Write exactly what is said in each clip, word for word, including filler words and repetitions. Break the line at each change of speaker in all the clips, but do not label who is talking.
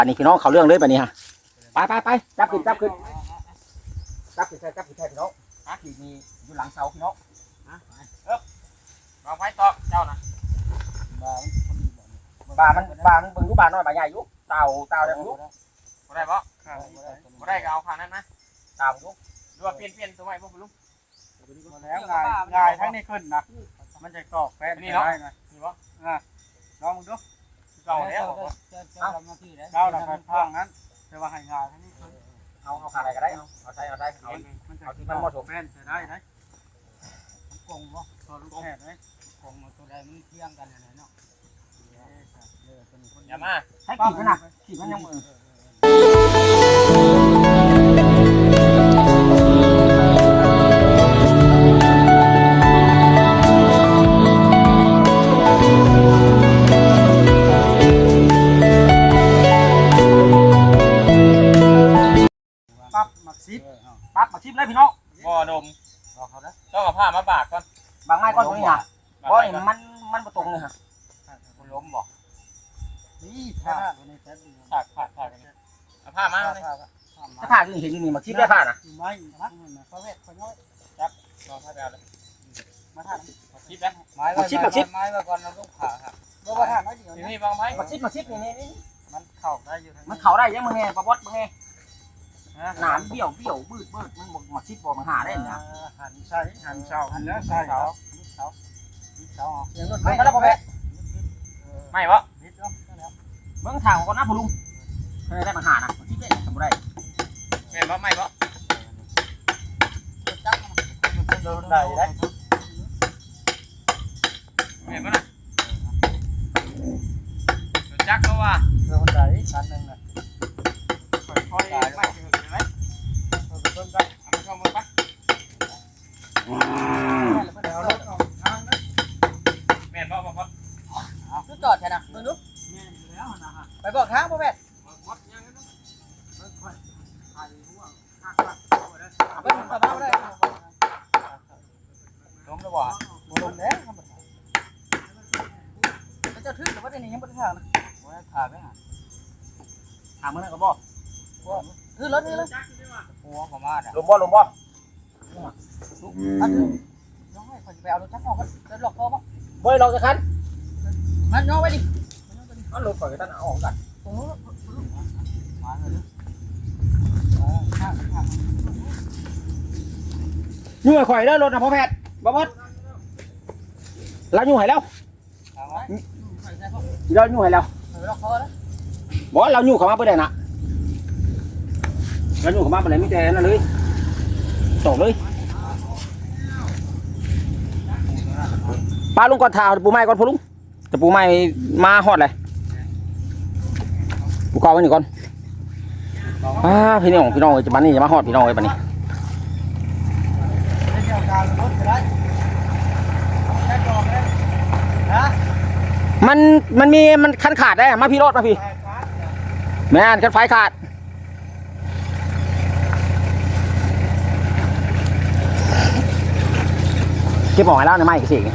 อันนี้พี่น้องเขาเรื่องเลยแบบนี้ฮะไปไปไปจับขึ้นจับขึ้นจับขึ้นใช่จับขึ้นใช่พี่น้องฮะขีดมีอยู่หลังเสาพี่น้องฮะเอ๊บวางไว้ต่อเจ้านะบามันบามันเบิ่งอยู่บาน้อยบาใหญ่อยู่เต่าเต่าได้อยู่บ่ได้บ่บ่ได้ก็เอาข้างนั้นนะเต่าอยู่ดูว่าเปลี่ยนเปลี่ยนตัวใหม่บ่คุณลุง
แล้วงายงายทั้งนี้ขึ้นนะมันจะกรอกแป้นได้นะนี่บ่อ่าลองดู
เก่าแล้ว
เจ้าเจ้าพันพังนั้นแต่ว่าให้งายทั้งนี้ขึ้น
เอาเอาขาอะไรก็ได้เอาเอาใส่เอาได้เอาเอาที่มันเหมาะสม
แป้นจะได้ไหมกงบ่ตัวลูกแพทย์ไหมกงตัวใดมันเที่ยงกันอะไรเนาะ
อย่ามาให้ขีดมันนะขีดมันยังมือ
ปั๊บหมักซิป
ปั๊บมาชิมเลยพี่น้อง
บ่ดมต้องเอาผ้ามาบากก่อน
บางไม้ก่อนตรงนี้นะเพราะมันมันประตรงเลยฮะ
คุณล้มบ่
นี่ผ้าตัวนี้แท้ดี
ผ้าผ้าผ้าเอาผ้ามาเลย
ถ้าผ้าที่เห็นอยู่นี่มาชิมได้ผ้านะ
ไม่นะเขาเวทเขาน้อย
จับรอผ้าเอาเลย
มาท่า
มาชิปนะ
ไม้มาชิปมาชิปไม้มาก่อนเราต้องผ่าครับเพราะว่าท่าน้อยเดียว
นี่บางไม้
มาชิปมาชิปนี่นี่
มันเข่าได้อยู่
มันเข่าได้ยังมึงไงปะบดมึงไงหนามเบี้ยวเบี้ยวบืดบืดมันบอกมาชิปบอกมันหาได้นะ
หันใช่หันเสาหันแล้วใช่เสาเสาเสา
อย่างนู้นไม่ก็แล้วพอแม่
ไม่วะ
เบื้องทางของน้าผู้ลุงเคยได้มาหานะมาชิปได้ทำไร
แม่บ่ไม่บ่
โดนได้ได้
แม่บ่นะจักก็ว่า
โดนได้คันนึงน่ะ
ค่อยๆไม่ถึงไหมเบิ่งได้เอามาเข้ามือไป
เอารถออกทางนั้น
แม่นบ่บ่บ่
ชุดจอดใช่นะมึงดู
แม่นแล้วนะฮะ
ไปบอกทางพ่อแม่
วัดยังนั้น
ค่อยๆไอ้หัวหักหัก
ไปถึงกระเป๋าได้
ล้มแล้วบ่
ลงแล้วครับ
แล้วจะทึ่งหรือว่าจะหนียังไม่ได้ทางนะ
ว่าขาดไหมฮะ
ถามมึงนะก็บอกคือรถนี่เลย
หัวของมา
ลมบ่ลมบ่
อันนี้น้องให้คนไปเอารถจักรออกกันรถหลอกพ่อป่ะ
เฮ้ยเราจะคัน
มันย่อไปดิ
เอาลมก่อนกันเอาออกกัน
ตรงนู้นมาเลย
ยุ่งข่อยเด้อรถนะพ่อแพทย์บ่บดเรายุ่งให้แล้วเรายุ่งให้แล้วบ่เรายุ่งเข้ามาเพื่อใดนะเรายุ่งเข้ามาเพื่อใดไม่แต่นั่นเลยตกเลยปลาลุงก่อนถ่าปูไม้ก่อนพ่อลุงแต่ปูไม้มาฮอดเลยปูกอไว้หนึ่งก่อนอ่าพี่น้องพี่น้องจะมานี่จะมาฮอดพี่น้องไว้ปะนี่มันมันมีมันคันขาดได้มาพี่รถมาพี่แม่นคันไฟขาดเก็บออกให้แล้วในไม้กี่สิ่ง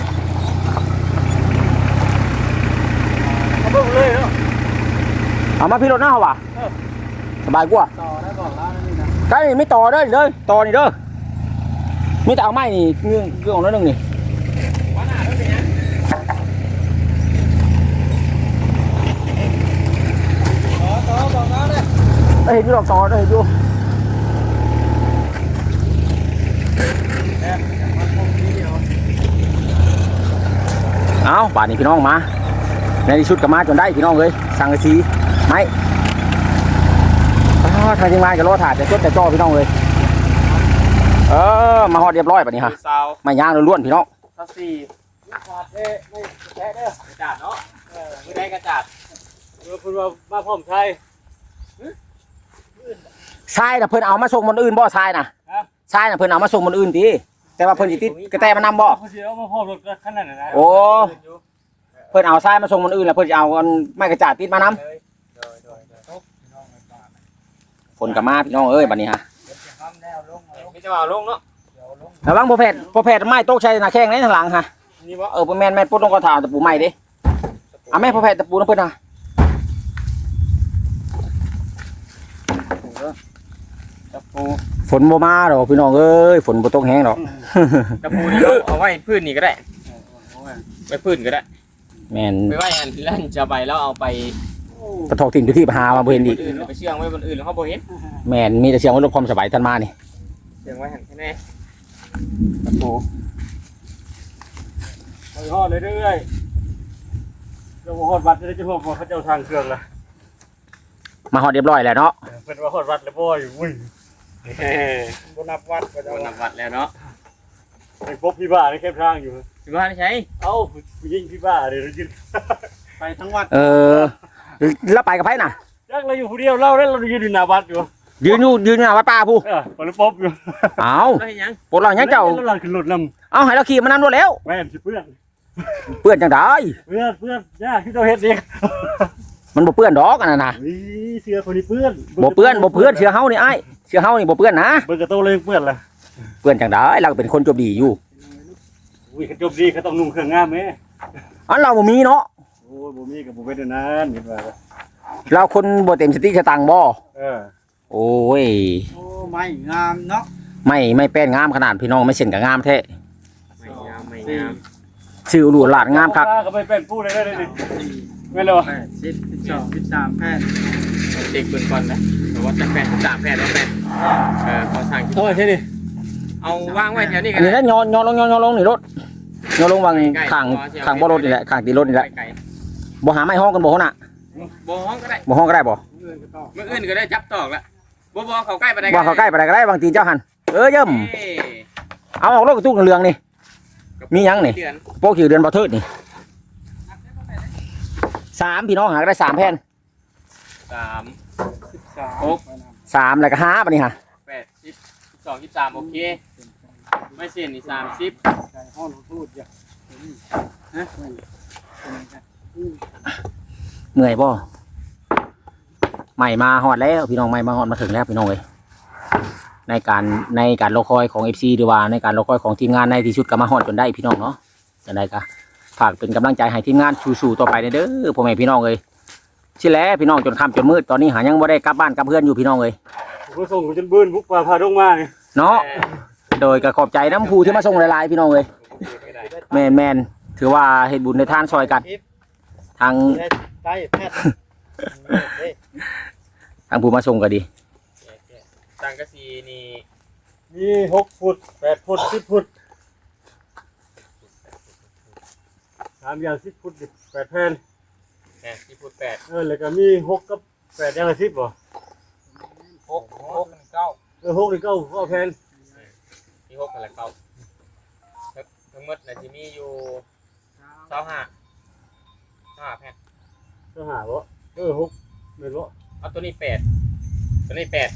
เอามาพี่รถหน้าเหรอวะสบายกว่า
ต่อได้บอกแล้วนี่นะ
ใช่ไม่ต่อเด้อเด้อต่อนี่เด้อไม่แต่เอาไม้นี่เรื่องเรื่องของนั่นนึงนี่
ต่อต่อบอกแล้วเลย
ได้เห็นอยู่หรอกต่อได้เห็นอยู่เอาป่านนี้พี่น้องมาในชุดกับมาจนได้พี่น้องเลยสั่งกระสีไม้ทางทีมงานกับรถถ่ายจะชดจะจ่อพี่น้องเลยเออมาฮอดเรียบร้อยป่านนี้ฮะไม่ย่างล้วนๆพี่น้อง
สักสี่
ขาดเด้ไม่แค่เด้อก
ระจาดเนาะเออไม่ได้กระจาด
เออคุณว่ามาพร้อมไทย
ทรายน่ะเพิ่นเอามาส่งคนอื่นบ่ทรายน่ะทรายน่ะเพิ่นเอามาส่งคนอื่นตีแต่ว่าเพิ่นสิติดกระแตมานำบ่
เพิ่นสิเอามาพร้อมรถคันนั้นน่ะ
โอ้เพิ่นเอาทรายมาส่งคนอื่นแล้วเพิ่นจะเอาไม้กระจาดติดมานำฝนก็มาพี่น้องเอ้ยบัดนี้ฮะ
มีจะเอาลงเนาะ
ระวังบ่แพทย์บ่แพทย์ไม้ตกใส่หน้าแข้งในทางหลังฮะเออบ่แม่นแม่นปุ๊ดลงกระถางตะปูไม้เด้เอาแม่พ่อแพทย์ตะปูนำเพิ่นน่ะ
ตะปู
ฝนบ่มาดอกพี่น้องเอ้ยฝนบ่ตกแห้งดอก
ตะปูนี่เราเอาไว้พื้นนี่ก็ได้ไว้พื้นก็ได้
แม่น
ไปไว้อันลั่นจะใบแล้วเอาไป
กระทอกทิ้งอยู่ที่หามาบ่เห็นอีก
อื่นไปเชื่องไว้บนอื่นแล้วเขาบ่เห็น
แม่นมีแต่เสียงว่าลดความสบายท่านมานี่
เชื่องไว้หันแค่นี้ตะปู
ไปฮอดเรื่อยๆเจ้าฮอดวัดจะได้จะพวกเขาเจ้าทางเครื่องละ
มาฮอดเรียบร้อยแล้วเนาะ
เพิ่นว่าฮอดวัดแล้วบ่อยู่อุ้ย
เฮ้ย
บ่นับวัดก็จะ
โดนนับวัดแล้วเนาะ
ไปพบพี่บ้าในแคมป์ทางอยู่
สิบ้านใช้
เอ้าผู้หญิงพี่บ้าเดี๋ยวยืนไปทั้งวัด
เออแล้วไปกับไผน่ะ
ยักเราอยู่ผู้เดียวเล่าแล้วเรายืนอยู่หน้าวัดอยู่
ยืนอยู่ยืนอยู่หน้าวัดป่าผู้
เออปลป๊อบอยู่
เอา
แล้วเห็นยัง
ปวดหลังยังเจ้า
แล้วเราขึ้นรถน
เอาให้เราขี่มานำรถแล้ว
ำแม่นสิเพื่อน
เปื้อนจังได
เพื่อนเพื่อนยากที่เจ้าเฮ็ดเอง
มันบ่เปื้อนดอกอันนั้นน่ะ
วิเสือคนนี้เพื่อน
บ่เปื้อนบ่เปื้อนเสื้อเฮานี่อ้ายเสื้อเฮานี่บ่เปื้อนนะ
เบิ่งกระโตเลยเพื่อนล่ะ
เปื้อนจังไดเราก็เป็นคนจบดีอยู่
อุ้ยเขาจบดีเขาต้องนุ่งเครื่องงามแม่
อันเราบ่มีเนาะ
โอ้ยบ่มีกับบ่เป็นอันนั้นเห็นว่า
เราคนบ่เต็มสติสตังค์บ่
เออ
โอ้ย
โอ้ไม่งามเนาะ
ไม่ไม่แป้นงามขนาดพี่น้องไม่เส้นก็งามแท้
ไม่งามไม่งาม
ชื่อหลูหลาดงามคัก
ก็ไปเป็นผู้ได้เลยนี่แม่นบ่
แปดสิบสิบสองสิบสามแพทย์
เด็กเบิ่งก่อนนะแต่ว่าจะแปดสามแปดแล้วแปดเออพอสั่ง
โอ้ยใช่ดิ
เอาวางไว้แถวนี้กั
อั
น
นนี้นะย้อนย้อนลงย้อนย้อนลงนี่รถย้อนลงวางข้างข้างบ่รถนี่แหละข้างตีรถนี่แหละ
ไก่
บ่หาไม้ห้องกันบ่หั่นน่ะ
บ่ห้องก็ได้
บ่ห้องก็ได้บ่
เมื่ออื่นก็ได้จับตอกละบ่บ่เขาใกล้ไปได้
ว่าเขาใกล้ไปได้ก็ได้บางทีเจ้าหันเออเยิ่ม
เอ้ย
เอาออกรถกระตุ้งเหลืองนี่ มีหยังนี่
เดือน
โป๊กอยู่เดือนบ่เทิดนี่สามพี่น้องหาก็ได้สามแผ่น
สาม
สิบสาม
หก
สามแล้วก็ห้าปะนี่ฮะ
แปดสิบสิบสองสิบสามโอเคไม่เสียนี่สามสิบ
ใส่ห้องพูดอย่างฮะ
เหนื่อยบ่ใหม่มาฮอดแล้วพี่น้องใหม่มาฮอดมาถึงแล้วพี่น้องเอ้ยในการในการรอคอยของ เอฟ ซี หรือว่าในการรอคอยของทีมงานในที่สุดก็มาฮอดจนได้พี่น้องเนาะจังไดก็ฝากเป็นกำลังใจให้ทีมงานสู้ๆต่อไปเด้อพ่อแม่พี่น้องเอ้ยสิแลพี่น้องจนค่ำจนมืดตอนนี้หายังบ่ได้กลับบ้านกลับเพื่อนอยู่พี่น้องเอ้ย
ผมส่งจนบื้นบุกป่าพาดงมานี่
เนาะโดยก็ขอบใจน้ำผู้ที่มาส่งหลายๆพี่น้องเอ้ยแม่นแม่นถือว่าเฮ็ดบุญในทานซอยกันทาง
ใต้แพทย์
ทางผู้มาส่งก็ดี
สังกะสีนี่
มีหกฟุตแปดฟุตสิบฟุตสามอย่างสิบฟุตดิแปดแผ่น
แหมที่พูดแปด
เออแล้วก็มีหกกับแปดอย่างละสิบบ่
หกหกเก้า
เออหกหรือเก้าก็แผ่น
มีหกกันละเก้าทั้งหมดน่ะจะมีอยู่เก้าห้าห้าแผ่น
ก็หาบ่เออหกแม่นบ่
เอาตัวนี้แปดตัวนี้แปด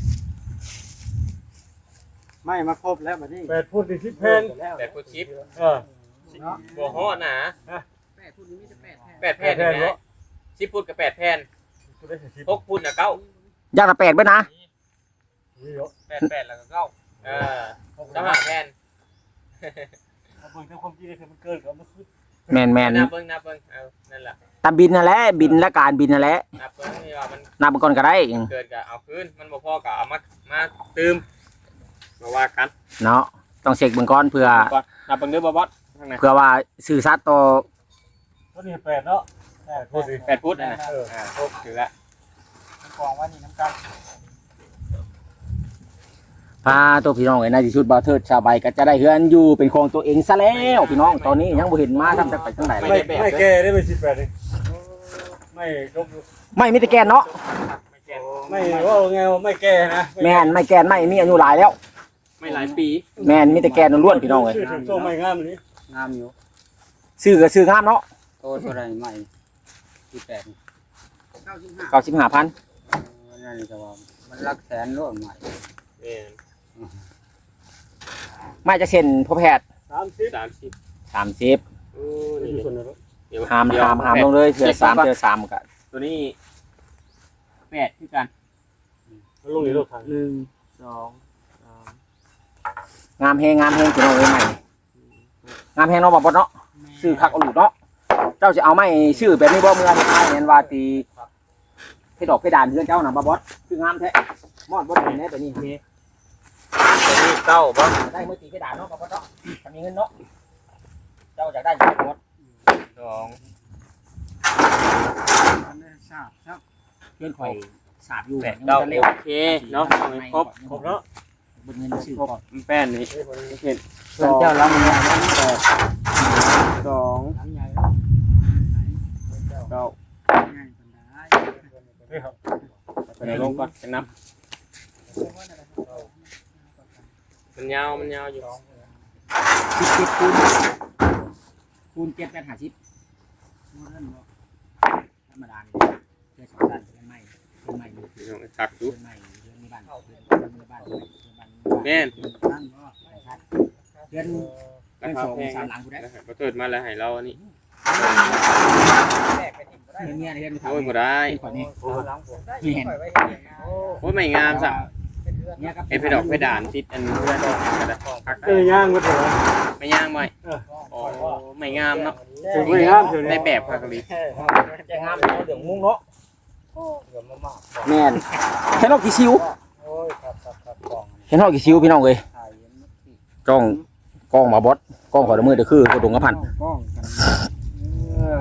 ไม่มาครบแล้วบัดนี้
แปดฟุตนี่สิบแผ่น
แปดฟุตชิป
เออ
บัวฮอดนะ
แปดพูดนี้มีแต่แปดแพทย์
แปดแผ่นนะสิบฟุตกับแปดแผ่น
ฟุตได้สิบ
หกฟุตนะเก้า
อย่างละแปดเบิดนะ
นี่เหรอ
แปดแปดแล้วก็เก้าเออเก้าห้าแผ่น
เอาเบิ่งแต่ความจริงเลยคือมันเกินกับมันคือ
แม่นแม่น
นับเบิ้งนับเบิ้งเอานั่นแหละ
ตามบินนั่นแหละบินและการบินนั่นแหละ
นับเบิ้งนี่ว่ามัน
นับไปก่อนก็ได้
เกิดกับเอาคืนมันบ่พอกับเอามามาตืมมาว่ากัน
เนาะต้องเช็คเบิ่งก่อนเพื่อ
ก่อนนับเบิ้งเด้อบอสข้างใน
เพื่อว่าสื่อสัตย์ต่อ
ตัวนี้แปดเนาะแปดฟุตดิ
แปดฟุตนะนะ
เออ
อ่าครบถือละ
กองว่านี่น้ำกัน
พาตัวพี่น้องไอ้ในที่สุดบ่าวเทิดชาวใบก็จะได้เฮือนอยู่เป็นของตัวเองซะแล้วพี่น้องตอนนี้ยังบ่เห็นมาทำจักไปทางไหน
ไม่
เลย
ไม่แก่ได้เป็นสิบแปดเลยไม่ยก
ไม่มีแต่แกนเนาะ
ไม่แก่น
ไม่ว่าไงว่าไม่แก่นะ
แม่นไม่แกนไม่มีอายุหลายแล้ว
ไม่หลายปี
แม่นมีแต่แกนล้วนๆพี่น้องเอ้ย
ชื่อถึงโซ่ไม่งามนี้
งามอยู่
ซื้อก็ซื้องามเนาะ
โตเท่าไรใหม่ที่แปด
เก้าสิบห้าพัน
นั่นแต่ว่ามันรักแสนร่วมใหม่
เนี่ย
ไม่จะเช่นพ่อแพทย์
สามสิบ
สามสิบ
สามสิบ
โอ้
นี่
นี่
ส่วนไหนวะ
เดี๋ยว
หาม
เดี๋ยว
หามหามลงเลยเสือสามเสือสามกัน
ตัวนี้แปดที่กัน
มันลงในโลกทาง
หนึ่ง
สองสาม
งามแฮงงามแฮงพี่น้องเอ้ยใหม่งามแฮงเนาะบ่บ่เนาะซื้อคักเอาหลุดเนาะเจ้าจะเอาไม้ชื่อแบบนี้บ่เมื่อที่ท้ายเห็นว่าตีให้ดอกเพดานเฮือนเจ้าน่ะบ่บอสคืองามแท้มอดบ่ได้แน่ตัวนี้
ตัวนี้เก้าบ่
ได้มือตีกระดาษเนาะกับพ่อเนาะถ้ามีเงินเนาะเจ้าอยากได้อยู่หมด
สอง
อันนี้ทราบครับ
เพื่อนข่อยสาบอยู่
แปดเก้าโอเคเนาะครบครบเนาะ
บนเงินชื่อก่อน
แป้นนี่เห็น
เพิ่นเจ้าล้างมันแปด
สอง
หลังใหญ่แล้ว
เก้า
ง่ายปานใด
เดี๋ยวลงก่อนจะนับมันยาวมันยาวอยู่
สิบเจ็ดคูณคูณเจ็ดแปดห้าสิบ
บ่ทันบ่
ธรรมดาเลยเพื่อสองด้านเพื่อนใหม่เพื่อนใหม่เพื่อน
พี่น้องตักดู
ใหม่เพื่อนในบ้านเพื่อนในบ้านเพื่อนในบ้าน
แม่น
ทันบ่
เพื่อน
ราคาแพง
สามหลังกูได้
นะครับก็เกิดมาแล้วให้เราอันนี้
เพื่อนเนี่ยเพื่อน
โอ้ยบ่ได้
ขอนี้
หลังผมได้
มีเห็น
โอ้ยไม่งามสัก
เนี่ยครับ
เอฟไปดอกไปด่านติดอันเพื่อนก็ได้
เอ้ยย่างบ่ถึง
ไม่ย่างไหมโอ้ไม่งามเนาะ
ไม่งามเถอะ
ได้แบบพากรี
จะงามเนาะเดือดมุ้งเนาะ
เดี๋ยวมามา
แม่นเห็นหอกกี่ซิว
โอ้ยครับครับครับกล่อง
เห็นหอกกี่ซิวพี่น้องเอ้ย
ถ่ายเห็นมั้ย
กล้องกล้องมาบอสกล้องขอดมือเดี๋ยวคือกระดุงกระพัน
กล้องกันเออ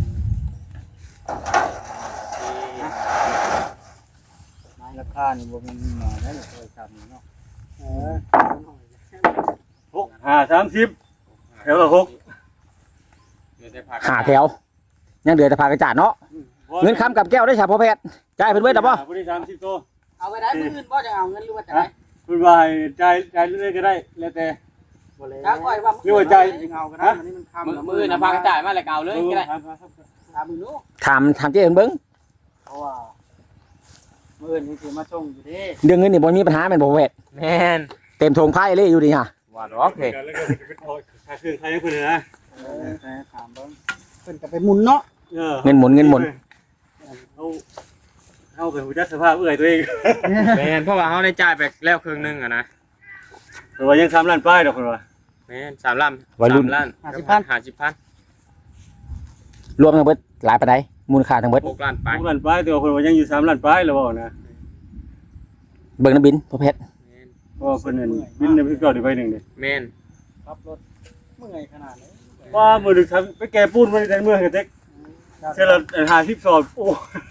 ราคานี่บ่แม่นหมอได้โทรศัพท์นี่เนาะเออ
หกห้าสามสิบแถวละหก
หาแถวยังเดือแต่พากระจาดเนาะเงินคำกับแก้วได้ฉาพ่อแพทย์จ่ายเพิ่นเว้ยดับบ่
บริสามสิบตัว
เอาไปได้มื้ออื่นบ่จะเอาเงินหรือว่าจะได้
คุณว่าให้จ่ายจ่ายเรื่อยๆก็ได้แล้วแต่
ถ้าก่อยว่า
นี่ว่าใจ
เอาก็ได้มันนี่มันค่ำ
มือมือนะพากระจายมาเลยเก่าเลยก็ได้
ตามมือนู้
ถามถามเจ๊เอิ้นเบิ่ง
เพราะว่ามื้ออื่นนี่สิมาส่งอยู่เด้
เรื่องเงินนี่บ่มีปัญหาแม่นบ่พ่อแพทย์
แม่น
เต็มทงไพ่เลยอยู่ดีฮะ
ว่าดอกเฮ้ย
แล้วก็เป็นทอค่าเครื่องใครให้คนนะ
เออแต่ถามเบิ่งเพิ่นก็ไปหมุนเนาะ
เออ
เงินหมุนเงินหมุน
เอาเอาไปหูจักสภาพเอื้อยตัวเอง
แม่นเพราะว่าเขาได้จ่ายไปแล้วครึ่งนึงอะนะ
แต่ว่ายังทำร้านป้ายดอกคนว่า
แม่นสามล้าน
วัยรุ่น
สามล้าน
ห้าสิบพัน
ห้าสิบพัน
รวมทั้งเบิดหลายปานใดมูลค่าทั้งเบิด
หกล้านไป
ทุกร้านป้ายแต่ว่าคนว่ายังอยู่สามร้านป้ายแล้วบ่นะ
เบิ่งน้ำบินพ่อแพทย์
แม่น
เพราะว่าคนนั้นบินในพี่เก่าได้ใบหนึ่งเด้
แม่น
ขับรถเมื่อยขนาดนี้
ว่ามือดึกทำไปแก่ปูนมาในเมืองกันเต็กเสร็จแล้วหาสิบสอบโอ้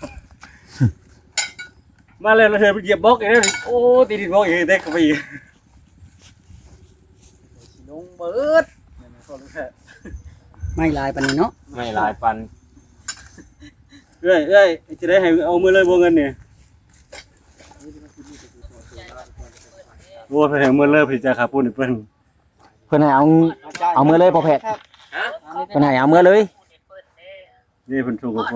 มาแล้วเราเธอไปเหยียบบล็อกอีกแล้วโอ้ตีดินบล็อกอีกเต็กเข้าไปอีก
ลงเบิดไม่ลายปานนี้เนาะ
ไม่หลายปัน
เอ้ยเอ้ยจะได้ให้เอามือเลยบ่เงินเนี่ยโอ้ไปให้มือเลยพี่จะขาปูนอีกเพิ่น
เพิ่นให้เอาเอามือเลยพ่อแพทย์เพิ่นให้เอามือเลย
นี่เพิ่นถูกกับผม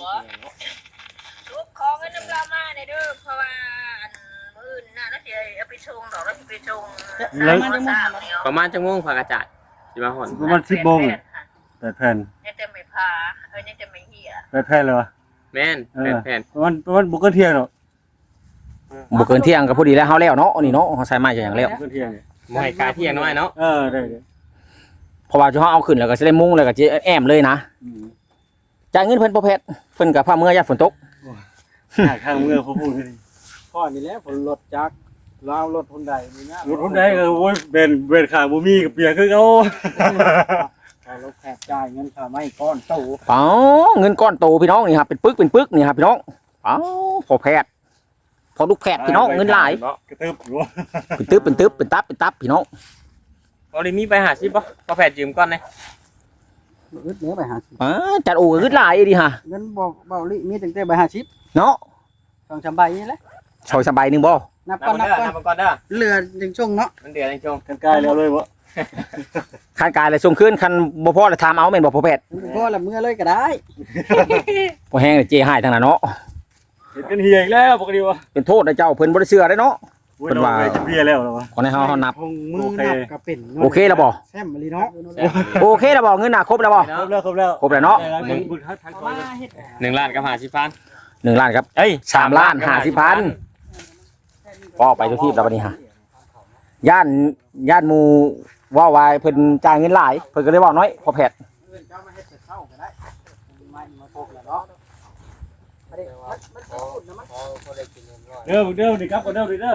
ลูกของเงินน้ำเรามาในเด้อเพราะว่าอันมื้อน่ะแล้วสิเอาไปชงดอกแล้วสิไปชงสามโมงสามเดียว
ประมาณจังโมงพากระจายสิมาหอน
ประมาณสิบโมงแปดแผ่น
ยังจะไม่พาเอ้ยยังจะไม่เหี้ย
แปดแผ่นเลยวะ
แม่น
เอ
แผ่
อน
แผ่น
ประมาณประมาณบุกเกินเที่ยงเนาะ
บ่เกินเที่ยงก็พอดีแล้วเฮาแล้วเนาะนี่เนาะเฮาใส่ไม้จะอย่างแล้ว
บุกเกินเที่ยงเนี่ย
บ่ให้กาเที่ยงน้อยเนาะ
เออได้เด้
เพราะว่าเฮาเอาขึ้นแล้วก็สิได้มุ้งแล้วก็สิแอมเลยนะ
อืม
จ่ายเงินเพิ่นพ่อแพทย์เพิ่นก็พาเมื่อยามฝนตก
หาข้างเมืองเขาพูดเลย
ข้อนี้แหละผลรถจักรลาวรถคนใดนี่นะ
รถคนใดก็โอ้ยเบนเบนขาบ่มีกับเปียกคือเขา
เอารถแขกจ่ายเงินค่าไม้ก้อนโต
เอ้าเงินก้อนโตพี่น้องนี่ครับเป็นปึกเป็นปึกนี่ครับพี่น้องเอ้าพ่อแพทย์พอลูกแพทย์พี่น้องเงินหลาย
กระตึบอยู่
เป็นตึ๊บเป็นตึ๊บเป็นตับเป็นตับพี่น้อง
บ่ได้มีไปหาสิบ่ก็แผ่นยืมก่อนเลย
อึดเนื้อไปหาสิบ
อ่าจัดโอ้ก็หลายดิฮะ
เงินบ่เบาลิมีตั้งแต่ใบห้าสิบ
เนาะ
สองสามใบนี่แหละ
ชอยสบายหนึงบ่
นับ
นับ
ก่อน
ก่
นั
อน
บ
เด้อ
ก่อน
นับก่อนเด้อ
เหลือจังช่วงเนาะ
มันเดือดจังจง
กันกายแล้วเลยวะ
คันกายเลยส่งคืนคันบ่พอแล้วถามเอาแม่นบ่พ่อแพทย์
มันก็ละเมื่อเลยก็ได้
บ่แห้งเลยเจให้ทั้งนั้นเนาะ
เห็นกันเฮียอีกแล้วปกติวะ
เป็นโทษนะเจ้าเพิ่นบ่ได้เชื่อได้เนาะ
โอ้ยเราไปจะเบียแล้วเหรอวะ
ขอให้เฮาเฮานับ
คงมือนับก็เป็น
โอเคแล้วบ่
แซมมะลิเนาะ
โอเคแล้วบ่เงินน่ะครบแล้วบ่
ครบแล้วครบแล้ว
ครบแล้วเนาะ
มึงบุญทัดทัดก่อน
มาเฮ็ด
หนึ่งล้านกับห้าสิบพัน
หนึ่งล้านครับ
เอ้ย
สามล้านห้าสิบพันก็ไปทุกที่แล้วบัดนี้ฮะย่านย่านหมู่ว่าว่าเพิ่นจ่ายเงินหลายเพิ่นก็เลยเว้าน้อยพ่อแพทย์
เจ้ามาเฮ็ดแต่เช้าก็ได้มามาพบแล้วเนาะ
พอพอพอได้กินเงินร้อย
เด้อเด้อนี่ครับก็เด้อเด้อ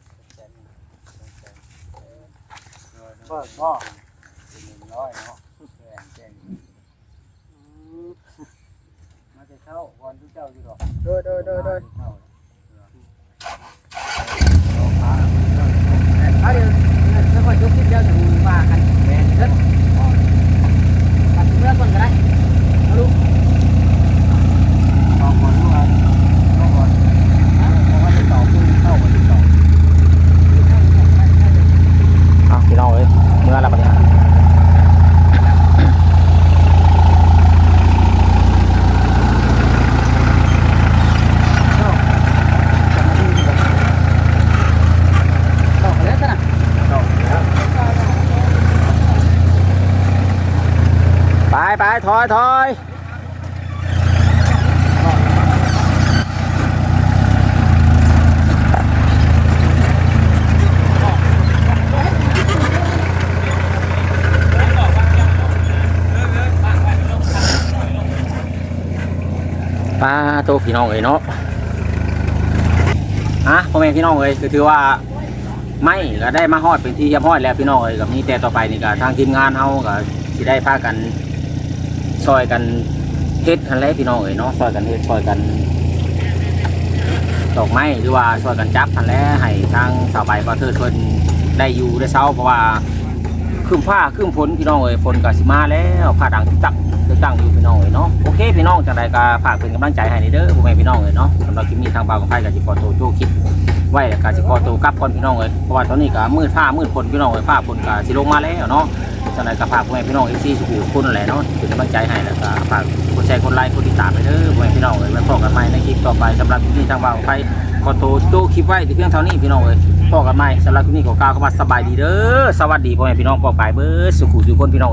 เบิ่งบ่หนึ่งร้อยเนาะแจ้งแจ้งมาจะเข้าวันที่เจ้าอยู่ดอก
โดยโดยโดยโดยเอาเดี๋ยวจะค่อยยกขึ้นเดี๋ยวจะว่ากันแหวนเด้อตัดเมื่อก่อนก็ได้เอาลูก
ต่อก่อนลูกอ่ะต่อก่อนเพราะว่าจะต่อคุณเข้ามาติดต่อ
เอาพี่น้องเอ้ยเมื่อละบัดนี้ไปไปถอยถอยปลาตัวพี่น้องเอ้ยเนาะอ่ะพ่อแม่พี่น้องเอ้ยก็ถือว่าไม่ก็ได้มาฮอดเป็นที่เรียบร้อยแล้วพี่น้องเอ้ยกับนี้แต่ต่อไปนี่ก็ทางทีมงานเฮาก็สิได้พากันซอยกันเฮ็ดทันแหละพี่น้องเอ้ยเนาะซอยกันเฮ็ดซอยกันดอกไม้หรือว่าซอยกันจับทันแหละให้ทางสาวใบบ่เทิดเพิ่นได้อยู่ได้เช้าเพราะว่าครึ้มฟ้าครึ้มฝนพี่น้องเอ้ยฝนก็สิมาแล้วผ้าดังตักตั้งอยู่พี่น้องเอ้ยเนาะโอเคพี่น้องจังใดก็ฝากเป็นกำลังใจให้เด้อพ่อแม่พี่น้องเอ้ยเนาะสำหรับคลิปนี้ทางบ่าวกับไผก็สิขอตัวโจคลิปไว้แล้วก็สิขอตัวกลับก่อนพี่น้องเอ้ยเพราะว่าตอนนี้ก็มืดฟ้ามืดฝนพี่น้องเอ้ยฟ้าฝนก็สิลงมาแล้วเนาะจังใดก็ฝากพ่อแม่พี่น้อง เอฟ ซี สุขุมคุณนั่นแหละเนาะเป็นกำลังใจให้แล้วก็ฝากกดแชร์กดไลค์กดติดตามไปเด้อพ่อแม่พี่น้องเอ้ยไว้พบกันใหม่ในคลิปต่อไปสำหรับคลิปนี้ทางบ่าวกับไผขอตัวโจคลิปไว้แต่เพียงเท่านี้พี่น้องเอ้ยพบกันใหม่สำหรับคลิปนี้ขอกล่าวคำว่าสบายดีเด้อสวัสดีพ่อแม่พี่น้องปองปายเบิดสุขุสุขคนพี่น้อง